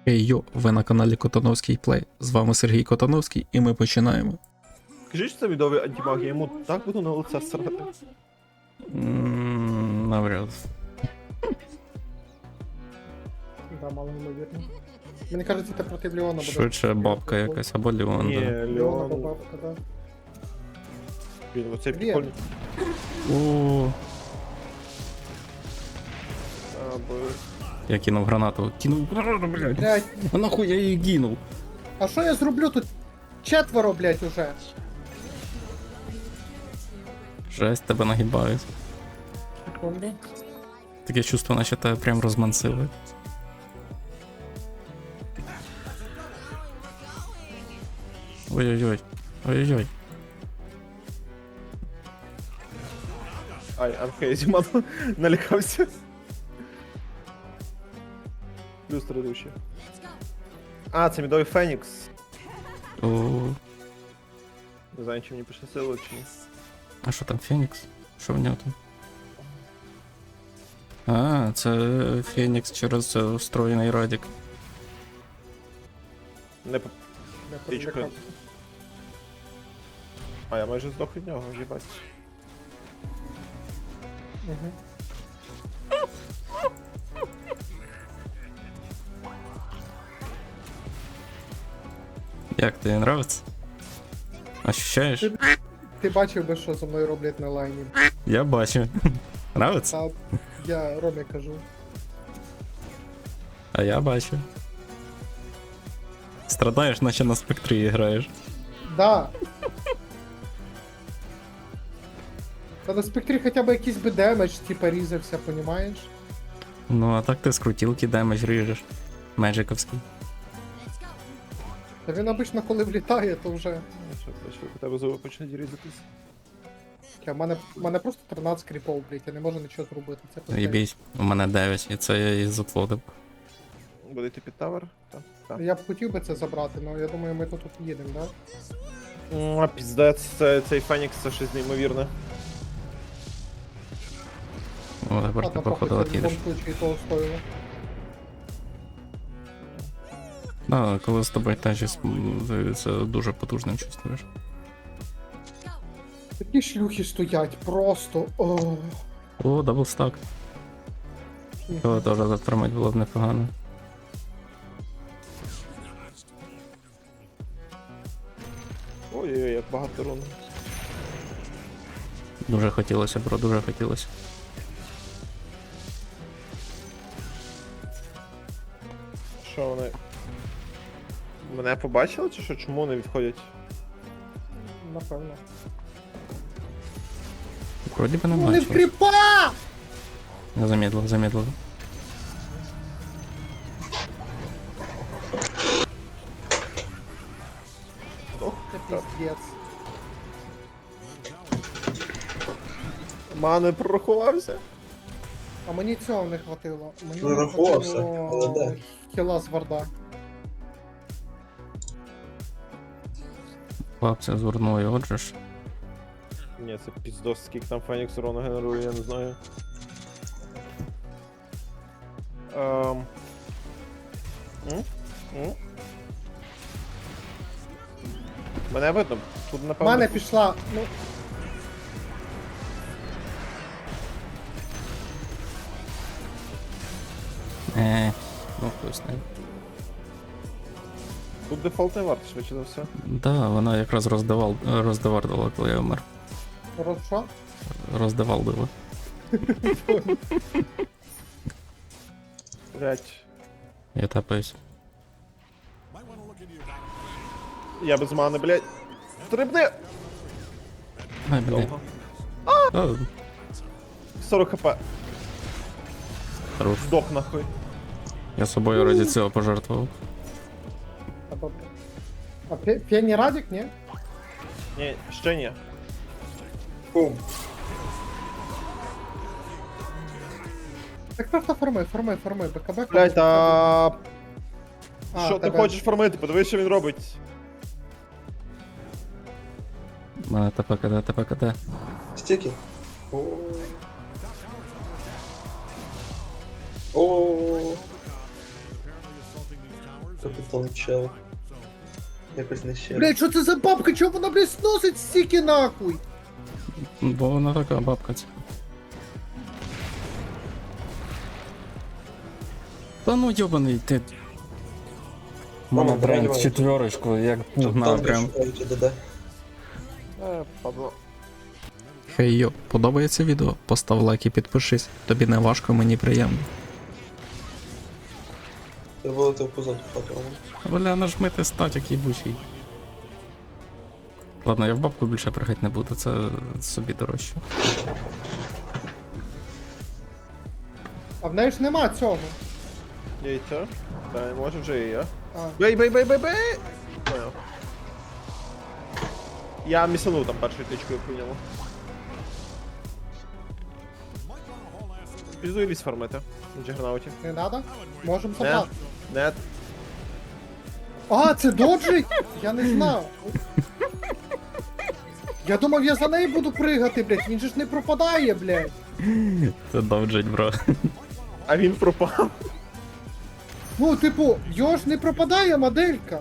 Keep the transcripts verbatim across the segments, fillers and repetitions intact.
Хей йо, ви на каналі Котановський Плей. З вами Сергій Котановський і ми починаємо. Кажи, що це відовий антимаг, я йому так буду на лице срати. Ммм, навряд. Да, мало ймовірно. Мені кажеться, ти проти Леона будеш. Швидше бабка якась або Леон. Ні, Да. Леона або Леон. бабка, да. Блін, оцей Привіт. прикольний. О, А, бо... я кинув гранату. Кинув гранату, блядь. Блять, А нахуй я її кинув? а що я зроблю тут? Четверо, блять, уже. Жесть, тебе нагибають. Секунду. Таке чувство, наче тебе прям розмансили. Ой-ой-ой. Ой-ой-ой. Ай, Архейзі, ман, налякався. Плюс традущий. А, це мідовий Фенікс. О, Не знаю, чи мені пощастило, чи ні. а що там, Фенікс? Що в нього там? А, це Фенікс через е, встроєний радік. Не по... Я Річка. привлекав. А, я майже здох від нього, їбать. Мгм. Як тобі нравиться? Ощущаєш? Ти- Ти бачив би, що зі мною роблять на лайні. Я бачу. Нравиться? Та я Ромі кажу. А я бачу. Страдаєш, наче на спектрі граєш. Да. Та на спектрі хоча б якийсь би демедж, типа різався, понімаєш? Ну, а так ти з крутілки демедж ріжеш. Меджиковський. Та він обично, коли влітає, то вже. Ну, що, бачу, у тебе зуби почнуть різатись. У мене, в мене просто тринадцять кріпов, блять, я не можу нічого зробити. Це пиздець. Єбісь, у мене дев'ять, і це я і заплодив. Буде йти під тавер? Так. Так. Я б хотів би це забрати, але я думаю, ми тут тут їдемо, да? М, А, піздець, це, цей Фенікс, це щось неймовірне. О, тепер ти Ладно, походу похуй, це в от'їдеш. будь-якому случаї того стоїло. Да, коли з тобою тежіс, м, це дуже потужним чувствуєш. Такі шлюхи стоять, просто. О. О, даблстак. Його теж затримати було б непогано. Ой-ой-ой, як багато рун. Дуже хотілося, бро, дуже хотілося. Що вони? Мене побачили чи що? Чому вони відходять? Напевно. Вроді би не Вони в бачив. кріпа! Я замедлив, замедлив. Ох, Це піздець. Мани прорахувався. А мені цього не хватило. Мені не Прорахувався, хватило але де? хіла з варда. Хлопця звернує, отже ж. Ні, це піздос, скільки там Фенікс урону генерує, я не знаю. Ем... М? М? Мене видно? Тут В напевно. мене пішла, ну, Е, ну хтось не. Тут дефолтний варт, швидше за все. Да, вона якраз роздавал, роздавардила, коли я вмер. роз що? Роздавалдила. Блять. Я тапаюсь. Я без мани, блять. Стрибни! Ай, блін. Довго. А, сорок хп. хорош. Здох нахуй. Я собою раді цього пожертвував. Або... А Пе- Пені Радік, ні? Ні, ще ні. Бум. Так просто форми, форми, форми, БКБ. Блять, а А, що ти тебе- хочеш формити? Подивись, що він робить. У мене ТПКД, ТПКД. Стики. О. О. Капітан чел. Якось не ще. Блядь, що це за бабка? Чого вона, блядь, сносить стільки нахуй? Бо вона така бабка ця. Та ну йобаний ти. Мама, Мене давай, тренд давай. четверочку, як пугна прям. ДД. Е, падло. Хей йо, подобається відео? Постав лайк і підпишись. Тобі не важко, мені приємно. Ти вилетів позаду хату. Бля, нажмити статік їбучий. Ладно, я в бабку більше пригати не буду, це собі дорожче. А в неї ж нема цього. Яйця? Та, може вже і я. А. Бей, бей, бей, бей, бей! Понял. Я місанув там першою тичкою по ньому. Піду і ліс фармити. На джигернауті. Не надо? Можем Нет, забрати. нет. А, це доджить? Я не знав. Я думав, я за нею буду пригати, блядь. Він же ж не пропадає, блядь. Це довджить, бро. А він пропав. Ну, типу, його ж не пропадає моделька.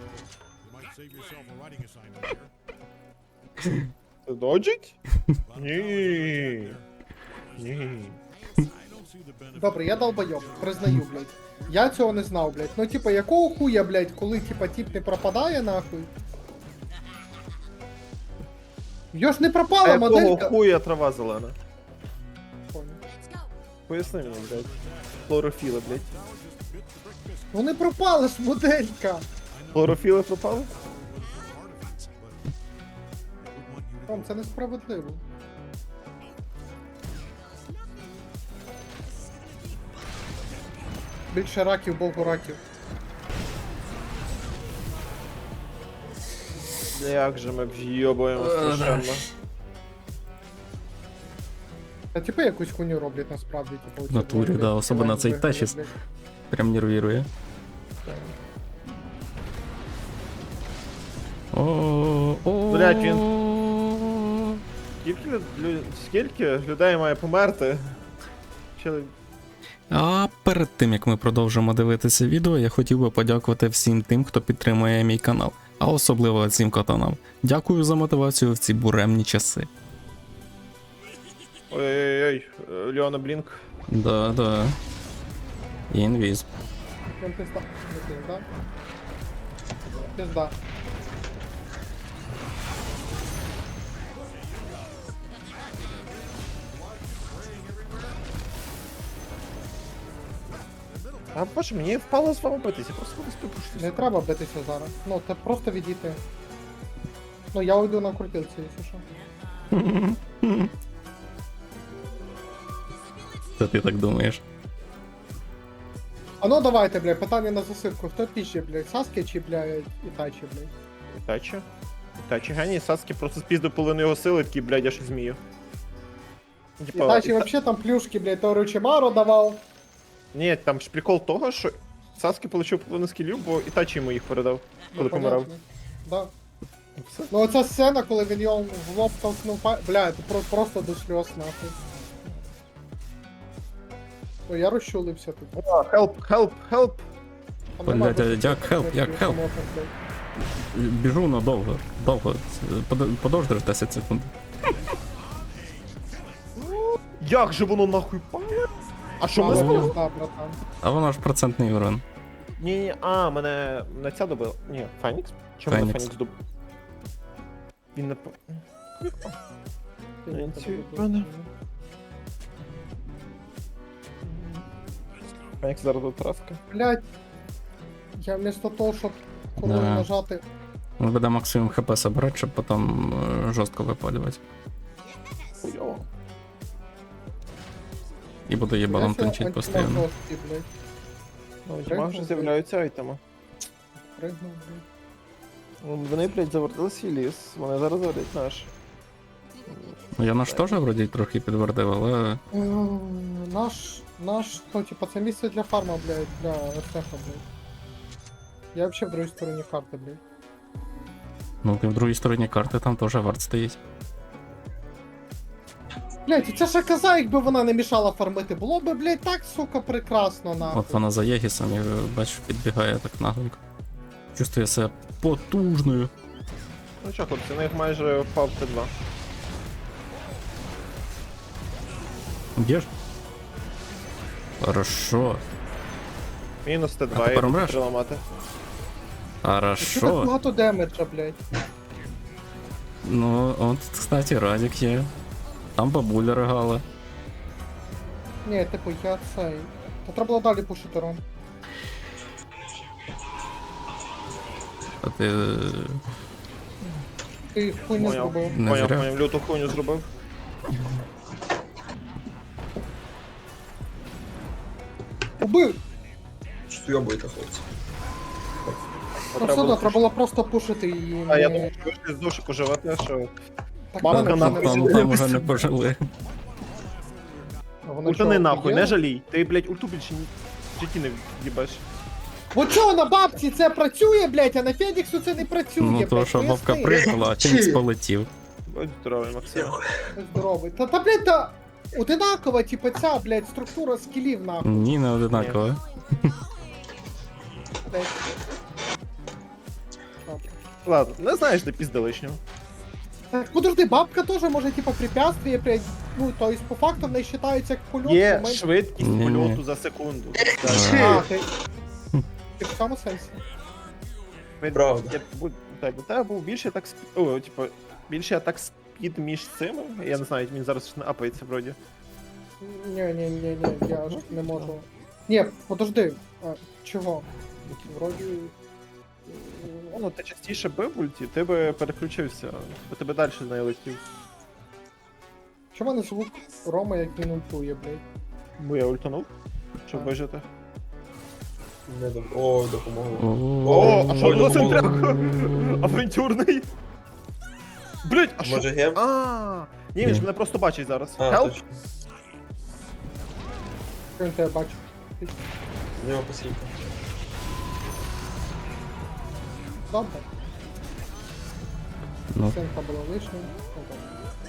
Це доджить? Ні. Ні. Добре, я долбойоб, признаю, блядь. Я цього не знав, блядь. Ну, типа, якого хуя, блядь, коли, типа, тип не пропадає, нахуй? Його ж не А пропала якого моделька. хуя трава зелена? Понял. Поясни мені, блядь. Хлорофіли, блядь. Ну не пропала ж моделька. Хлорофіли пропали? Ром, це несправедливо. Більше раків, богу раків. Як же ми в'єбуємо страшенно. А типу якусь хуйню роблять насправді, типу. оці, В натурі, блядь, да, особливо цей блядь, течіс. блядь. Прям нервірує. О, о, Блядь, Скільки, лю... Скільки людей має померти? Чи... А перед тим як ми продовжимо дивитися відео, я хотів би подякувати всім тим, хто підтримує мій канал, а особливо цим катанам. Дякую за мотивацію в ці буремні часи. Ой-ой-ой, Леона Блінк. Да, да. Інвіз. Прям пизда. Не пизда. Пизда. А боже, мені впало з вами битися, просто буду спипушитися. Не треба битися зараз. Ну, це просто відійти. Ну, я уйду на крутилці, якщо що. Це ти так думаєш? А ну давайте, блядь, питання на засипку. Хто піще, блядь, Саски чи, блядь, Ітачі, блядь? Ітачі? Ітачі геній, Саски просто спіздив половину його сили, такий, блядь, я ж змію. Типа, Ітачі Іта- вообще там плюшки, блядь, то Ручимару давав. Ні, там ж прикол того, що Саски отримав половину скілів, бо Ітачі йому їх передав, коли Ну, помирав. понятно. Да. І все. Ну оця сцена, коли він його в лоб толкнув, па- бля, це про- просто до сльоз, нахуй. Ну, я розчулився тут. Хелп, хелп, хелп! Там Блядь, нема а більше як таких help, як речей, help? що можна, блядь. Біжу, но довго. Довго. Под- Подожди десять секунд. Як же воно нахуй пале? А що ми Мало зробили? пизда, братан. А воно ж процентний урон. Ні, ні, а, мене на ця добила. Ні, Фенікс? Чому мене Фенікс. Фенікс доб... Він не по... Ти не Ці тебе пане. добре. Фенікс зараз до траска. Блядь. Я вместо того, щоб коли Да. нажати. Він буде максимум хп собрати, щоб потім е, жорстко випалювати. Хуйово. І буде їбалом Блядь, тончить антимаг постійно. жорсткий, блядь. Ну, Пригнув, тіма вже блядь. з'являються айтеми. Пригнув, блядь. Ну, Вони, блядь, завертили свій ліс, вони зараз заводять наш. Ну, я наш теж вроді трохи підтвердив, але. Ем, Наш, наш, ну, типа, це місце для фарма, блядь, для ефеха, блядь. Я вообще в другій стороні карти, блядь. Ну, ти в другій стороні карти там теж варт стоїть. Блять, це ж коза, якби вона не мішала фармити, було би, блять, так, сука, прекрасно, нахуй. От вона за Єгісом, я бачу, підбігає так нагленько. Чувствує себе потужною. Ну чо, хлопці, у них майже впав Т два. Б'єш? Хорошо. Мінус Т А два, тепер і умреш? три ламати. Що так Хорошо. багато демеджа, блять? Ну, от, кстати, Радік є. Там бабуля ригала. Ні, типу, я цей. Та треба було далі пушити рон. А ти. Ти хуй не Поняв. зробив. Не Поняв, зря. поняв, люту хуйню зробив. Убив! Що йобуєте, хлопці? Ну все одно, треба було просто пушити її. А я не- думав, що ви ще з душику живете, що... Так, Мамка мене нахуй. вже не- Там, там вже не пожили. А вона Ультани чого, нахуй, є? не жалій. Ти, блядь, ульту більше ні... в житті не в'їбеш. Бо чого на бабці це працює, блять, а на Феніксу це не працює, Ну блять. то, що бабка пригнула, а Фінікс полетів. Будь здоровий, Максим. Здоровий. Та, та, блять, та одинакова, типу, ця, блять, структура скілів, нахуй, Ні, не одинаково. блять. Добре. Ладно, не знаєш, де пізда лишнього. Так, подожди, бабка теж може, типу, препятствие, блять, ну, то есть, по факту в неї вважається як польот. Є момент- швидкість Ні-ні. польоту за секунду. А, ти... Ти в цьому сенсі? Правда. Я, будь- так, у тебе був більше так спід... О, типу, більше так спід між цими. Я не знаю, він зараз не апається вроді. Ні, ні, ні, ні, я ж не можу. Ні, подожди, а, чого? Вроді... Ну, ти частіше бив в ульті, ти би переключився, бо тебе далі не летів. Чому не звук Рома, як він ультує, блядь? Бо я ультанув, щоб Так. вижити. Не дом... О, допомогло. О, а що Ой, було ну, цим було. Авантюрний? Блять, а що? Може гем? А, ні, він Ні. ж мене просто бачить зараз. А, Help? точно. Що він тебе бачив? В нього посілка. Добре, Ну, стінка була лишня. Ну, добре.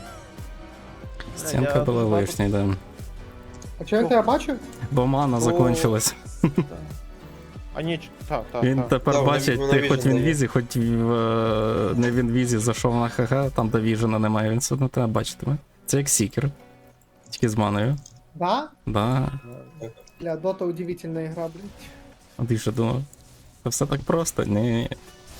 стінка Я була дуже лишня, да. А чи він тебе бачив? Бо мана О. закончилась. А ні, ч- та, та, Він та. тепер Да, вона- бачить, вона ти хоч в Vision дає. інвізі, хоч в, е, не в інвізі зайшов на ХГ, там де віжена немає, він все одно тебе бачитиме. Це як сікер. Тільки з маною. Да? Да. Бля, Дота удивительна ігра, блядь. А ти що думав? Це все так просто? Ні.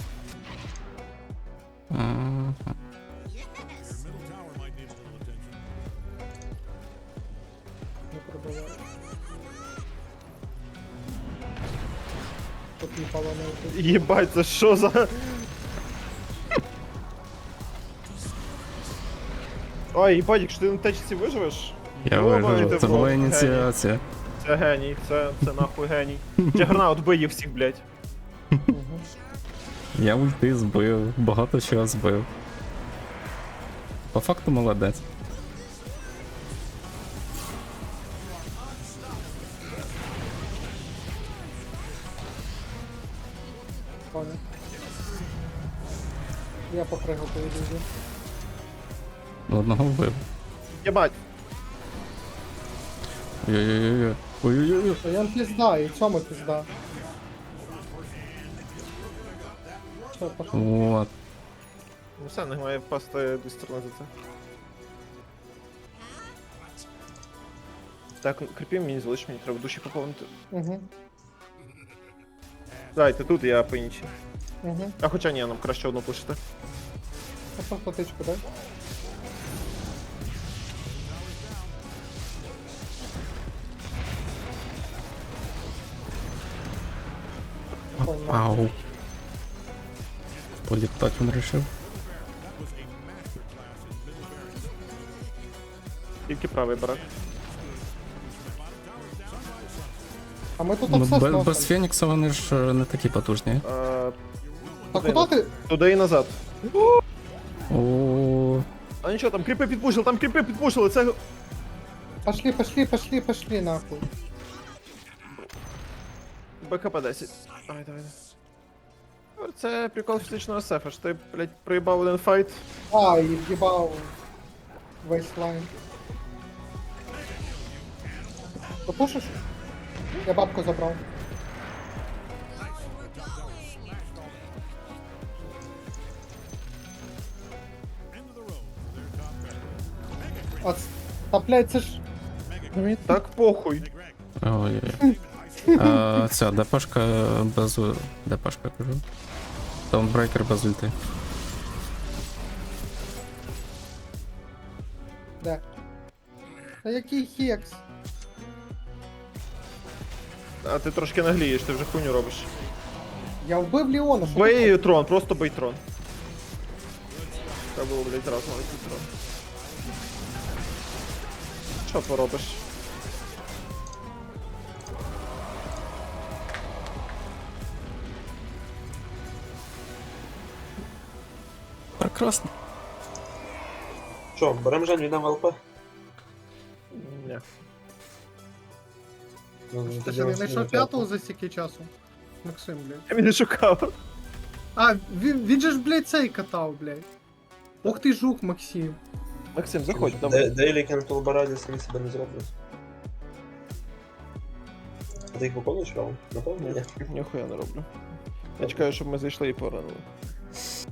Ага. Не пробиваю. Тут не пало не ультує. Єбать, це що за... Ой, їбать, якщо ти на течці виживеш, Я Йобаний вижив. ти Це в була рот, ініціація. це геній, це, це нахуй геній. Джагернаут бий їх всіх, блядь. Мгм. Я ульти збив, багато чого збив. По факту молодець. Понял. Я попрыгал по ілюзії. Одного вбив. Єбать. Ой-ой-ой. Ой-ой-ой. То я пізда, і цьому пізда. Що, пошли? Вот. Ну все, не має впасти до сторони за це. Так, кріпів мені залиш, мені треба душі поповнити. Угу, Дайте тут, я по іншій. угу. А хоча ні, нам краще одну пишете. А просто тичку, дай. Понял. Ау. Політати він рішив. Тільки правий барак. А ми тут Ну, обсес без, без носимо. Фенікса вони ж е, не такі потужні. А, А куди ти? туди і назад. О, А нічого, там кріпи підпушили, там кріпи підпушили, це... Пошли, пошли, пошли, пошли, нахуй. БКП десять. Ай, давай. Це прикол фізичного сефа, що ти, блядь, проїбав один файт. А, і в'їбав весь лайн. Допушиш? Я бабку забрав. А, ц- та, блядь, це ж... Мені так похуй. Ой-ой-ой. А, ця ДПшка без... ДПшка кажу. Таунбрейкер без ульти. Де? Та який хекс? А ти трошки наглієш, ти вже хуйню робиш. Я вбив Леона, що ти Бей трон, просто бей трон. Треба було, блядь, зразу навіть трон. Що поробиш? Прекрасно. Що, берем Жень, віддам ЛП? Ні. Ну, Ти тоді що, не ось знайшов не п'ятого п'ятого. за стільки часу? Максим, блядь. Я мене шукав. А, він, він же ж, блядь, цей катав, блядь. Ох ти жук, Максим. Максим, заходь, Де- давай. Дейлі кентул бараді самі себе не зроблять. А ти їх виконуєш, Раунд? Напевно, ні. Ні, ніхуя не роблю. Я чекаю, щоб ми зайшли і поранили.